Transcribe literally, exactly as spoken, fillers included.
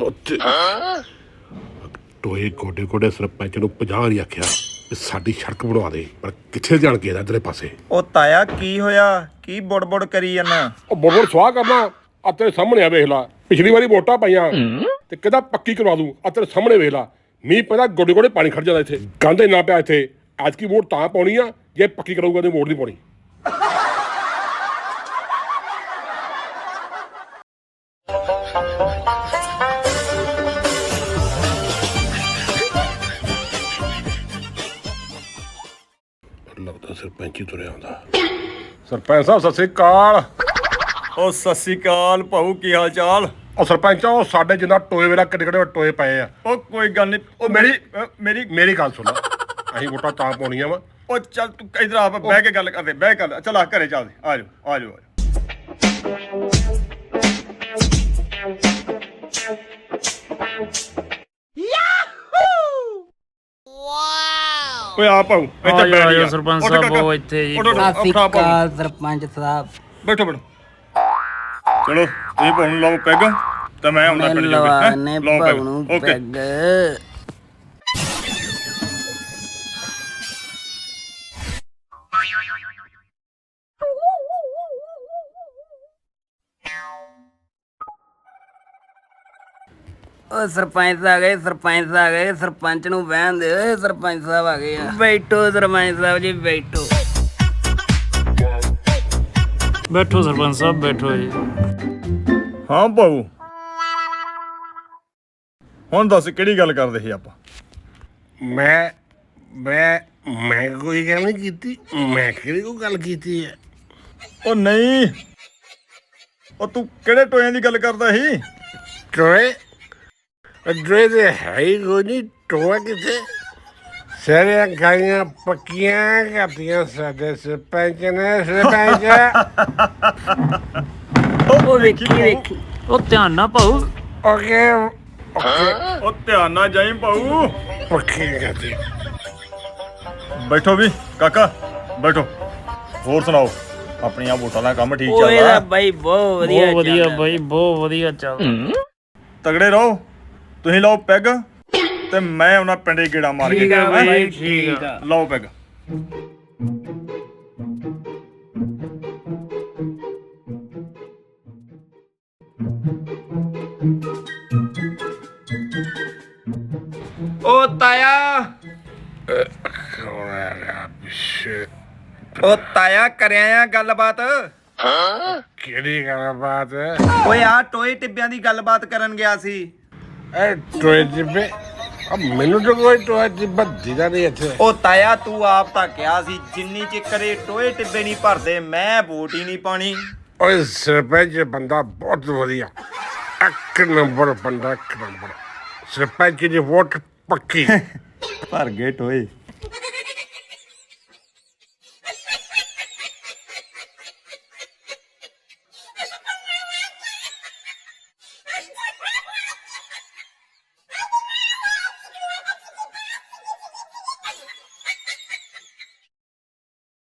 ਟੋਏ ਗੋਡੇ ਗੋਡੇ ਸਰਪੰਚ ਨੂੰ ਪੰਜਾਹ ਵਾਰੀ ਆਖਿਆ ਵੀ ਸਾਡੀ ਸੜਕ ਬਣਵਾ ਦੇ, ਪਰ ਕਿੱਥੇ ਜਾਣ ਕੇ ਇਧਰਲੇ ਪਾਸੇ। ਉਹ ਤਾਇਆ ਕੀ ਹੋਇਆ, ਕੀ ਬੁੜ ਬੁੜ ਕਰੀ ਜਾਂਦਾ? ਉਹ ਬੁੜ ਬੁੜ ਸਵਾਹ ਕਰਨਾ, ਆ ਤੇਰੇ ਸਾਹਮਣੇ ਆ ਵੇਖ ਲਾ। ਪਿਛਲੀ ਵਾਰੀ ਵੋਟਾਂ ਪਾਈਆਂ ਤੇ ਕਹਿੰਦਾ ਪੱਕੀ ਕਰਵਾ ਦੂੰ, ਆ ਤੇਰੇ ਸਾਹਮਣੇ ਵੇਖ ਲਾ। ਮੀਂਹ ਪੈਂਦਾ ਗੋਡੇ ਗੋਡੇ ਪਾਣੀ ਖੜ ਜਾਂਦਾ ਇੱਥੇ, ਗੰਦ ਇੰਨਾ ਪਿਆ ਇੱਥੇ। ਅੱਜ ਕੀ ਵੋਟ ਤਾਂ ਪਾਉਣੀ ਆ ਜੇ ਪੱਕੀ ਕਰਾਊਗਾ ਤੇ ਵੋਟ ਨਹੀਂ ਪਾਉਣੀ। ਲੱਗਦਾ ਸਰਪੰਚ ਹੀ ਤੁਰਿਆ ਆਉਂਦਾ। ਸਰਪੰਚ ਸਾਹਿਬ ਸਤਿ ਸ੍ਰੀ ਅਕਾਲ। ਉਹ ਸਤਿ ਸ੍ਰੀ ਅਕਾਲ ਭਾਊ, ਕੀ ਹਾਲ ਚਾਲ? ਉਹ ਸਰਪੰਚ ਉਹ ਸਾਡੇ ਜਿੰਨਾ ਟੋਏ ਵੇਲਾ ਕਿੱਡੇ ਕਿੱਡੇ ਟੋਏ ਪਏ ਆ। ਉਹ ਕੋਈ ਗੱਲ ਨਹੀਂ, ਉਹ ਮੇਰੀ ਮੇਰੀ ਮੇਰੀ ਗੱਲ ਸੁਣ, ਅਸੀਂ ਵੋਟਾਂ ਤਾਂ ਪਾਉਣੀਆਂ ਵਾ। ਉਹ ਚੱਲ ਤੂੰ ਇਧਰ ਆ, ਬਹਿ ਕੇ ਗੱਲ ਕਰਦੇ, ਬਹਿ ਕਰ। ਚੱਲ ਆ ਘਰੇ ਚੱਲਦੇ, ਆ ਜਾਓ ਆ ਜਾਓ ਆ ਜਾਓ। ਓਏ ਆ ਭਾਊ ਇੱਥੇ ਬੈਠ ਜਾ। ਸਰਪੰਚ ਸਾਹਿਬ ਉਹ ਇੱਥੇ ਜੀ। ਸਤਿ ਸ਼੍ਰੀ ਅਕਾਲ ਸਰਪੰਚ ਸਾਹਿਬ। ਬੈਠੋ ਬੈਠੋ। ਚਲੋ ਤੁਸੀਂ ਭਾਊ ਨੂੰ ਲਾਓ ਪੈਗ ਤੇ ਮੈਂ ਆਉਂਦਾ ਪਿੰਡ ਜਾ ਕੇ। ਨੇ ਲਾਓ ਭਾਊ ਨੂੰ ਓਕੇ। ਪੈਗ। ਉਹ ਸਰਪੰਚ ਆ ਗਏ, ਸਰਪੰਚ ਆ ਗਏ। ਸਰਪੰਚ ਨੂੰ ਬਹਿਣ ਦੇ, ਸਰਪੰਚ ਸਾਹਿਬ ਆ ਗਏ ਆ। ਬੈਠੋ ਸਰਪੰਚ ਸਾਹਿਬ ਜੀ, ਬੈਠੋ ਬੈਠੋ ਸਰਪੰਚ ਸਾਹਿਬ, ਬੈਠੋ ਜੀ। ਹਾਂ ਭਾਊ, ਹੁਣ ਦੱਸ ਕਿਹੜੀ ਗੱਲ ਕਰਦੇ ਸੀ ਆਪਾਂ? ਮੈਂ ਮੈਂ ਮੈਂ ਕੋਈ ਗੱਲ ਨਹੀਂ ਕੀਤੀ। ਮੈਂ ਕਿਹੜੀ ਕੋਈ ਗੱਲ ਕੀਤੀ ਹੈ? ਉਹ ਨਹੀਂ, ਉਹ ਤੂੰ ਕਿਹੜੇ ਟੋਇਆਂ ਦੀ ਗੱਲ ਕਰਦਾ ਸੀ? ਟੋਏ ਟੋਏ ਦੇ ਹੈ ਹੀ ਕੋਈ ਨਹੀਂ। ਟੋਆ ਕਿੱਥੇ? ਸਾਰੀਆਂ ਗਾਈਆਂ ਪੱਕੀਆਂ ਕਰਤੀਆਂ ਸਾਡੇ ਸਰਪੰਚ ਨੇ। ਸਰਪੰਚ ਉਹ ਵੇਖੀ ਵੇਖੀ। ਉਹ ਧਿਆਨ ਨਾਲ ਭਾਊ। ਓਕੇ ਓਕੇ ਉਹ ਧਿਆਨ ਨਾਲ ਜਾਈਂ ਭਾਊ। ਪੱਕੀ ਕਰਤੀ। ਬੈਠੋ ਵੀ ਕਾਕਾ, ਬੈਠੋ। ਹੋਰ ਸੁਣਾਓ, ਆਪਣੀਆਂ ਵੋਟਾਂ ਦਾ ਕੰਮ ਠੀਕ ਓਏ ਚੱਲਦਾ? ਬਾਈ ਬਹੁਤ ਵਧੀਆ ਬਹੁਤ ਵਧੀਆ ਚੱਲਦਾ। ਬਾਈ, ਬਹੁਤ ਵਧੀਆ ਚੱਲ। ਤਗੜੇ ਰਹੋ। ਤੁਸੀਂ ਲਾਓ ਪੈਗ ਤੇ ਮੈਂ ਉਹਨਾਂ ਪਿੰਡੇ ਗੇੜਾ ਮਾਰ ਕੇ। ਠੀਕ ਆ ਬਾਈ, ਹੈਂ? ਠੀਕ ਆ। ਲਾਓ ਪੈਗ। ਓ ਤਾਇਆ, ਓ ਤਾਇਆ ਕਰਿਆ ਆ ਗੱਲਬਾਤ? ਕਿਹੜੀ ਗੱਲਬਾਤ? ਓਏ ਆ ਟੋਏ ਟਿੱਬਿਆਂ ਦੀ ਗੱਲਬਾਤ ਕਰਨ ਗਿਆ ਸੀ। ਇਹ ਟੋਏ ਟਿੱਬੇ? ਆ ਮੈਨੂੰ ਤਾਂ ਕੋਈ ਟੋਏ ਟਿੱਬਾ ਦਿਖਦਾ ਨਹੀਂ ਇੱਥੇ। ਓ ਤਾਇਆ ਤੂੰ ਆਪ ਤਾਂ ਕਿਹਾ ਸੀ ਜਿੰਨੀ ਚਿਕਰੇ ਟੋਏ ਟਿੱਬੇ ਨਹੀਂ ਭਰਦੇ ਮੈਂ ਵੋਟ ਹੀ ਨਹੀਂ ਪਾਣੀ। ਓਏ ਸਰਪੰਚ ਬੰਦਾ ਬਹੁਤ ਵਧੀਆ, ਇੱਕ ਨੰਬਰ ਬੰਦਾ, ਇੱਕ ਨੰਬਰ। ਸਰਪੰਚ ਦੀ ਵੋਟ ਪੱਕੀ। ਭਰ ਗਏ ਟੋਏ।